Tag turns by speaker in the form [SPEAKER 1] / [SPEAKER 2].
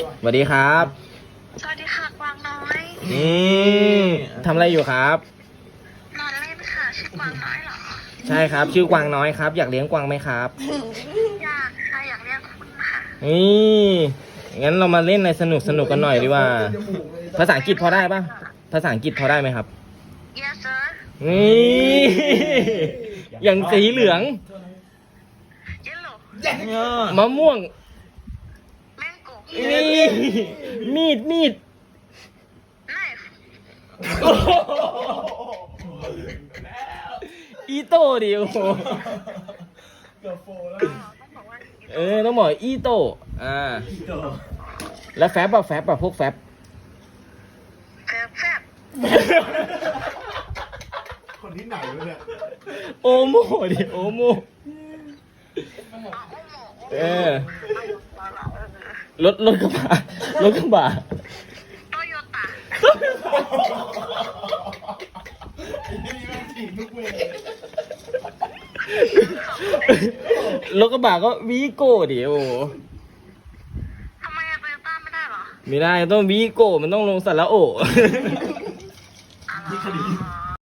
[SPEAKER 1] สวัสดีครับ
[SPEAKER 2] สวัสดีค่ะกวางน้อย
[SPEAKER 1] นี่ทำอะไรอยู่ครับ
[SPEAKER 2] นอนเล่นค่ะชื่อกวางน้อยเหรอ
[SPEAKER 1] ใช่ครับ ชื่อกวางน้อยครับ อยากเลี้ยงกวางไหมครับ
[SPEAKER 2] อยากค่ะอยากเรียกคุณค่ะ
[SPEAKER 1] นี่งั้นเรามาเล่นอะไรสนุกสนุกกันหน่อยดีกว่า ภาษาอังกฤษพอได้ปะภาษาอังกฤษพอได้ไหมครับ
[SPEAKER 2] Yes sir
[SPEAKER 1] นี่อย่างสีเหลือง
[SPEAKER 2] Yellow
[SPEAKER 1] มะม่วง
[SPEAKER 2] Mango
[SPEAKER 1] นี่มีด
[SPEAKER 2] Knife
[SPEAKER 1] อีโต้ดิโอ
[SPEAKER 2] ต้องบอกว่า
[SPEAKER 1] ต้องบอกอีโต้แล้วแฟบพวกแฟบ
[SPEAKER 2] แฟบแฟบ
[SPEAKER 3] คนที่ไหนวะเนี่ย
[SPEAKER 1] โอโมดิโอโมรถกระบะ
[SPEAKER 2] โตโยต้า
[SPEAKER 3] ไอ้นี่แม่งถีบทุกเวร
[SPEAKER 1] รถกระบะก็วีโก้ดิโอ
[SPEAKER 2] ทำไมอะโตโยต้าไม่ได้เหรอ
[SPEAKER 1] ไม่ได้ต้องวีโก้มันต้องลงสระโอ
[SPEAKER 2] อ๋อ